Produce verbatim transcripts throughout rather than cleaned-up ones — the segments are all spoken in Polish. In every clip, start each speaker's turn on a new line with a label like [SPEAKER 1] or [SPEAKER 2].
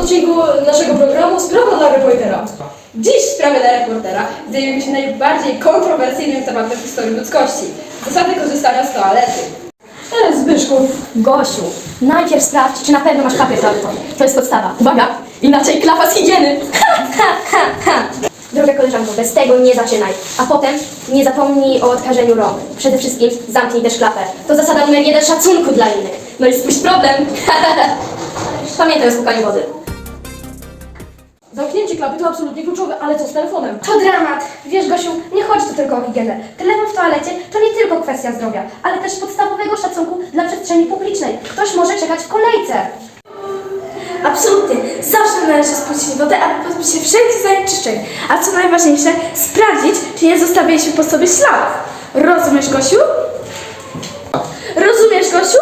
[SPEAKER 1] odcinku naszego programu Sprawa dla reportera.
[SPEAKER 2] Dziś w sprawie dla reportera zajmiemy się najbardziej kontrowersyjnym tematem w historii ludzkości. Zasady korzystania z toalety.
[SPEAKER 1] E, Zbyszku.
[SPEAKER 3] Gosiu, najpierw sprawdź, czy na pewno masz papier toaletowy. To jest podstawa. Uwaga! Inaczej klapa z higieny! Ha, ha, ha, ha. Droga koleżanko, bez tego nie zaczynaj. A potem nie zapomnij o odkażeniu rąk. Przede wszystkim zamknij też klapę. To zasada numer jeden szacunku dla innych. No i spójrz problem. Pamiętaj o spłukaniu wody.
[SPEAKER 1] Zamknięcie klapy to absolutnie kluczowe, ale co z telefonem?
[SPEAKER 4] To dramat! Wiesz, Gosiu, nie chodzi tu tylko o higienę. Telefon w toalecie to nie tylko kwestia zdrowia, ale też podstawowego szacunku dla przestrzeni publicznej. Ktoś może czekać w kolejce.
[SPEAKER 5] Absolutnie. Zawsze należy spuścić wodę, aby pozbyć się wszelkich zanieczyszczeń. A co najważniejsze, sprawdzić, czy nie zostawiliśmy po sobie śladów. Rozumiesz, Gosiu? Rozumiesz, Gosiu?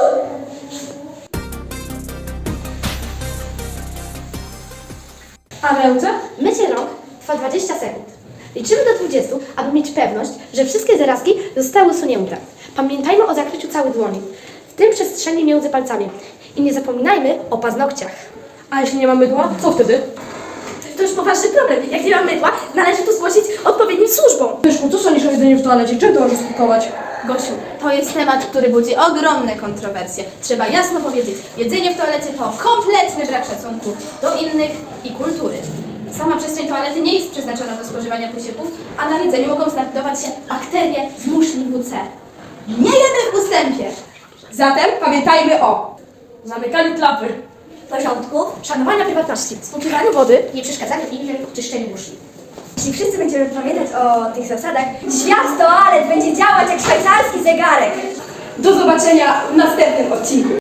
[SPEAKER 4] A Wełce? Mycie rąk trwa dwadzieścia sekund. Liczymy do dwudziestu, aby mieć pewność, że wszystkie zarazki zostały usunięte. Pamiętajmy o zakryciu całej dłoni, w tym przestrzeni między palcami. I nie zapominajmy o paznokciach.
[SPEAKER 1] A jeśli nie ma mydła, co wtedy?
[SPEAKER 5] To już poważny problem. Jak nie ma mydła, należy to zgłosić odpowiednim służbom.
[SPEAKER 1] Zbyszku, co sądzisz o jedzeniu w toalecie? Czym to może skutkować?
[SPEAKER 2] Gosiu, to jest temat, który budzi ogromne kontrowersje. Trzeba jasno powiedzieć, jedzenie w toalecie to kompletny brak szacunku do innych i kultury. Sama przestrzeń toalety nie jest przeznaczona do spożywania posiłków, a na jedzeniu mogą znajdować się bakterie z muszli W C. Nie jemy w ustępie! Zatem pamiętajmy o
[SPEAKER 1] Zamykaniu klapy.
[SPEAKER 4] Porządku, szanowania prywatności, spłukiwaniu wody, nie przeszkadzaniu innym w czyszczeniu muszli.
[SPEAKER 6] Jeśli wszyscy będziemy pamiętać o tych zasadach, świat toalet będzie działać jak szwajcarski zegarek.
[SPEAKER 2] do zobaczenia w następnym odcinku.